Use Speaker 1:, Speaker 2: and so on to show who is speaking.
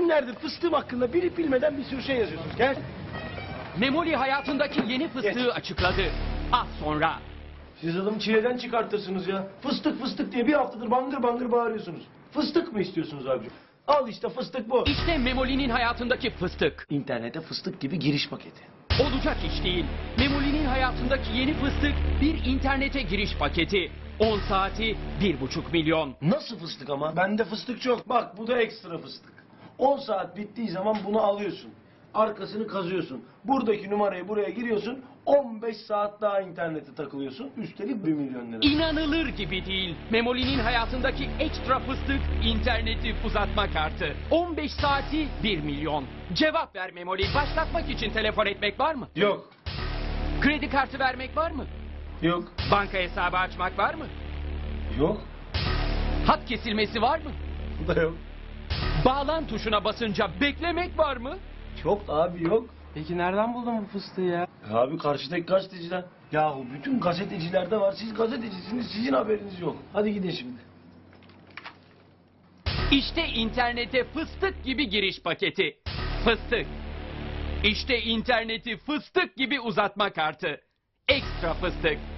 Speaker 1: Günlerdir fıstığım hakkında bilip bilmeden bir sürü şey yazıyorsunuz. Gel.
Speaker 2: Memoli hayatındaki yeni fıstığı açıkladı. Az sonra.
Speaker 1: Siz adamı çileden çıkartırsınız ya. Fıstık fıstık diye bir haftadır bangır bangır bağırıyorsunuz. Fıstık mı istiyorsunuz abicim? Al işte fıstık bu.
Speaker 2: İşte Memoli'nin hayatındaki fıstık.
Speaker 1: İnternete fıstık gibi giriş paketi.
Speaker 2: Olacak iş değil. Memoli'nin hayatındaki yeni fıstık bir internete giriş paketi. 10 saati 1,5 milyon.
Speaker 1: Nasıl fıstık ama? Bende fıstık çok. Bak bu da ekstra fıstık. 10 saat bittiği zaman bunu alıyorsun. Arkasını kazıyorsun. Buradaki numarayı buraya giriyorsun. 15 saat daha internete takılıyorsun. Üstelik 1 milyon lira.
Speaker 2: İnanılır gibi değil. Memoli'nin hayatındaki ekstra fıstık interneti uzatma kartı. 15 saati 1 milyon. Cevap ver Memoli. Başlatmak için telefon etmek var mı?
Speaker 1: Yok.
Speaker 2: Kredi kartı vermek var mı?
Speaker 1: Yok.
Speaker 2: Banka hesabı açmak var mı?
Speaker 1: Yok.
Speaker 2: Hat kesilmesi var mı?
Speaker 1: Bu da yok.
Speaker 2: Bağlan tuşuna basınca beklemek var mı?
Speaker 1: Yok abi yok.
Speaker 3: Peki nereden buldun bu fıstığı ya?
Speaker 1: Abi karşıdaki gazeteciden. Yahu bütün gazetecilerde var. Siz gazetecisiniz, sizin haberiniz yok. Hadi gidin şimdi.
Speaker 2: İşte internete fıstık gibi giriş paketi. Fıstık. İşte interneti fıstık gibi uzatma kartı. Ekstra fıstık.